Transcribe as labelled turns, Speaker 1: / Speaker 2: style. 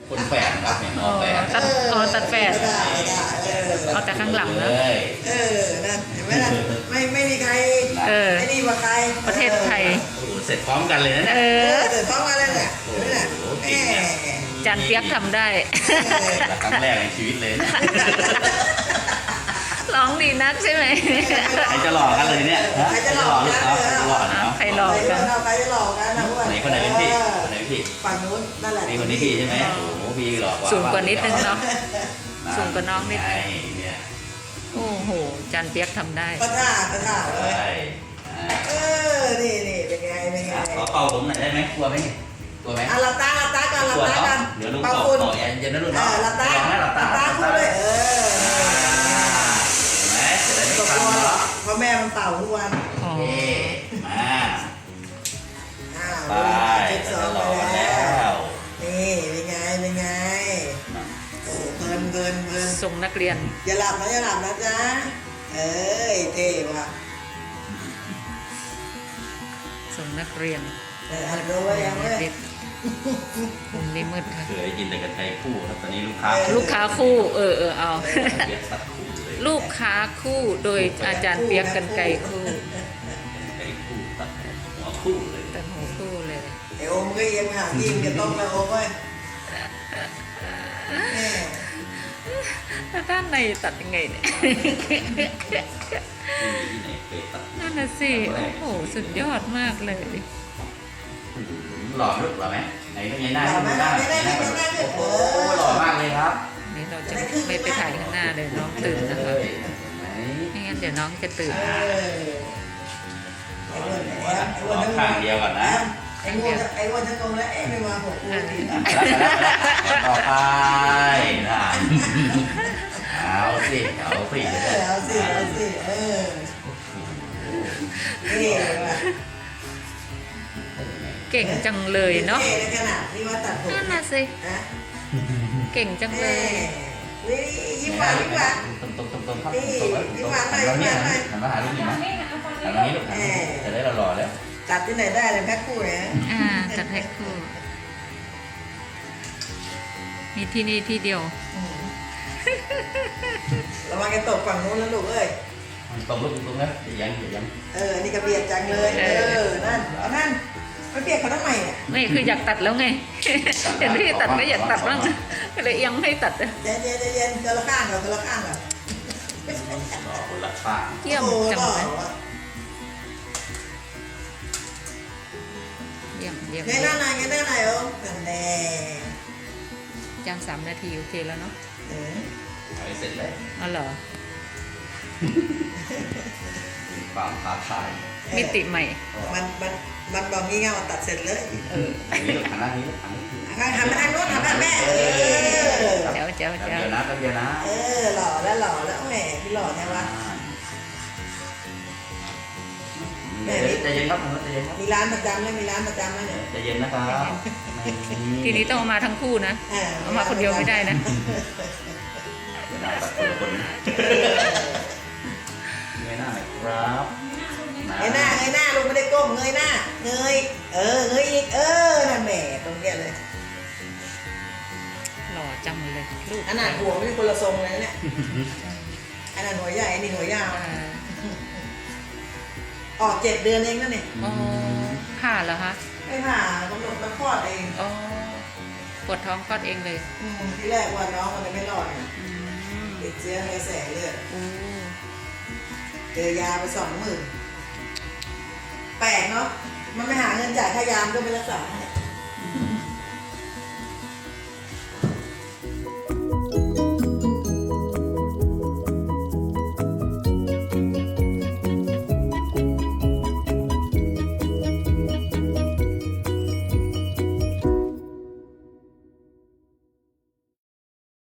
Speaker 1: คนแฝดนะครับเนี่ยหมอแฝด
Speaker 2: ตัดแฝดเอาแต่ข้างหลังนะ
Speaker 3: นั่นเห็นไหมล่ะไม่มีใครไอ้นี่ว่าใคร
Speaker 2: ประเทศไทย
Speaker 1: โอ้โหเสร็จพร้อมกันเลยนะเนี่ย
Speaker 3: เกิดท้องมาแล้วแหละนี่แหละแม่
Speaker 2: จานเปียกทำได้
Speaker 1: ครั้งแรกในชีวิตเลยนะ
Speaker 2: ร้องดีนักใช่ไหม
Speaker 1: ใครจะหลอกกันเลยเนี่ยฮะ
Speaker 3: ใครจะหลอก
Speaker 1: ลูก
Speaker 3: กัน
Speaker 1: เขาใครจะหลอกเนาะ
Speaker 2: ใครหลอกกัน
Speaker 3: ใครจะหลอกกันนะพวก
Speaker 1: ไหนคนไหนเป็นพี่คนไหนเป็นพี่
Speaker 3: ฝั่งนู้นนั่นแหละ
Speaker 1: พี่คนนี้พี่ใช่ไหมโอ้โหพี่หลอกว่า
Speaker 2: สูงกว่านิดนึงเนาะ สูงกว่าน้องนิดนึง
Speaker 1: เนี่ย
Speaker 2: โอ้โหจานเปียกทำได้
Speaker 3: ก็ท่าเล
Speaker 1: ใช่
Speaker 3: ยนี่เป็นไง
Speaker 1: ขอเป่าผมหน่อยได้ไหมกลัวไหมเนี่ยกลัวไหม
Speaker 3: หลับตาก่อนหลับตาก่อน
Speaker 1: เดี๋ยวลุง
Speaker 3: เป่า
Speaker 1: ต่อ
Speaker 3: คุณ
Speaker 1: ต่อเย็นนะลุง
Speaker 3: ห
Speaker 1: เนาะ
Speaker 3: ลับตา
Speaker 1: ลองนะหลับตา
Speaker 3: พูดเลย
Speaker 1: เห็นไหมจะได้ไม่
Speaker 3: ตก
Speaker 1: ฟัง
Speaker 3: ตัว
Speaker 1: เนาะ
Speaker 3: เพราะแม่มันเป่าทุกวัน
Speaker 2: อ๋อ
Speaker 1: มา ไป
Speaker 3: เช็ค
Speaker 1: จะ
Speaker 3: สอง
Speaker 1: หล
Speaker 3: ไป
Speaker 1: อก
Speaker 3: แล้
Speaker 1: แล้ว ว
Speaker 3: นี่เป็นไงโอ้เกิน
Speaker 2: ส่งนักเรียน
Speaker 3: อย่าหลับนะจ๊ะเอ้ยเท่ว่ะ
Speaker 2: ส่งนักเรียน
Speaker 3: หัดรู้ไว้ยังเว้ย
Speaker 2: ติดมุมนี้มืดค่ะ
Speaker 1: เคยกินแต่กระไทยคู่ครับตอนนี้ลูกค้า
Speaker 2: ลูกค้าคู่ เอา
Speaker 1: เปียกตัดคู่เลย
Speaker 2: ลูกค้าคู่โดยอาจารย์เปียกกันไกรคู่
Speaker 1: ไก่คู่ตัดหัวคู่เลย
Speaker 2: ตัดหูคู่เลย
Speaker 3: ไอโอมก็ยังหายิงจะต้องแล้วโอมเว้ยแม่
Speaker 2: แล้วด้านในตัดยังไงเนี่ย
Speaker 1: ที่ไหนเคยตัด
Speaker 2: นั่นน่ะสิ โอ้โห สุดยอดมากเลย
Speaker 1: หล่อลึกหล่อไหมไหนเป็นไงหน้าโอ้หล่อมากเลยครับ
Speaker 2: นี่เราจะไม่ไปถ่ายข้างหน้าเลยน้องตื่นนะคะ
Speaker 1: เห็นไหม
Speaker 2: ไม่งั้นเดี๋ยวน้องจะตื่น
Speaker 3: ไอ้อ้วน
Speaker 1: ข้างเดียวก่อนนะ
Speaker 3: ไอ้อ้วนจะตรงแล้วไม่มาผมอ้วนดี
Speaker 1: ต่อไปนะเอาสิ
Speaker 3: เอาสินี่ว่ะ
Speaker 2: เก่งจังเลยเนาะ
Speaker 3: ในขนาดที่ว่าตัดผม
Speaker 2: นั่นน่ะสิ เก่งจังเลย
Speaker 3: นี่ยิ้มหวาน
Speaker 1: ตรงครับหันมาหาลูกนี่นะหันมานี้ลูกจะได้หล่อแล้ว
Speaker 3: ตัดที่ไหนได้เลยแพ็คคู่เนี่ย
Speaker 2: จัดให้คู่ มีที่นี่ที่เดียว
Speaker 3: ระวังแกตกฝั่งนู้นแล้วลูกเอ้ย
Speaker 1: ตรงลูกตรงนะยัง
Speaker 3: นี่กระเบียดจังเลยนั่นเอานั่นไม่เปียกเขาทำไมเนี่ย
Speaker 2: ไม่คืออยากตัดแล้วไง เห็นพี่ตัดก็อยากตัดบ้างก็เลยยังไม่ตัด
Speaker 3: เย็นเจอละข้างก่อน
Speaker 1: หล่อคนละข้าง
Speaker 2: เยี่ยมจังเลยเยี่ยม
Speaker 3: ไงหน้าไหนโอ้กันแน่
Speaker 2: จำ3 นาทีโอเคแล้วเนาะ
Speaker 1: เสร็จแล้ว
Speaker 2: อ๋อเหรอ
Speaker 1: ความท้าทาย
Speaker 2: มิติใหม่
Speaker 3: มันบอกงี้เงาตัดเสร็จเลย
Speaker 1: อันนี้ลูกหันหน้านี้ลูกหัน
Speaker 3: ทำมาทางโน้นทำมาแม่
Speaker 2: เจ้า
Speaker 1: เดี๋ยวนะแป๊บเดียวนะ
Speaker 3: หล่อแล้วแหมพี่หล่อแน่วะ
Speaker 1: ใจเย็นครับใจเย็นครับ
Speaker 3: มีร้านประจำไหมเนี่ย
Speaker 1: ใจเย็นนะครับ
Speaker 2: ทีนี้ต้องเอามาทั้งคู่นะ เอามาคนเดียวไม่ได้นะ
Speaker 1: ตัดคนละคนเงยหน้าหน่อยครับ
Speaker 3: เงยหน้าลูกไม่ได้ก้มเงยหน้าเงยอีกนั่นแหมตรงเนี้ยเลย
Speaker 2: หล่อจังเลยลูก
Speaker 3: ขนาดหัวไม่ใช่คนละทรงเลยเนี่ยอันนั้นหัวใหญ่นี่หัวยาวออก7 เดือนเองนั่นเนี่ย
Speaker 2: อ๋อผ่าเหรอคะ
Speaker 3: ไม่ผ่ากำหนดมาคลอดเอง
Speaker 2: อ๋อปวดท้องคลอดเองเลย
Speaker 3: ที่แรกว่าน้องมันไม่รอดไง
Speaker 2: อืม
Speaker 3: ติดเชื้อในกระแสเลือด
Speaker 2: โอ้
Speaker 3: เจอยาไป20,000แปลกเนาะมันไม่หาเงินจ่ายค่ายามก็ไปรักษาให้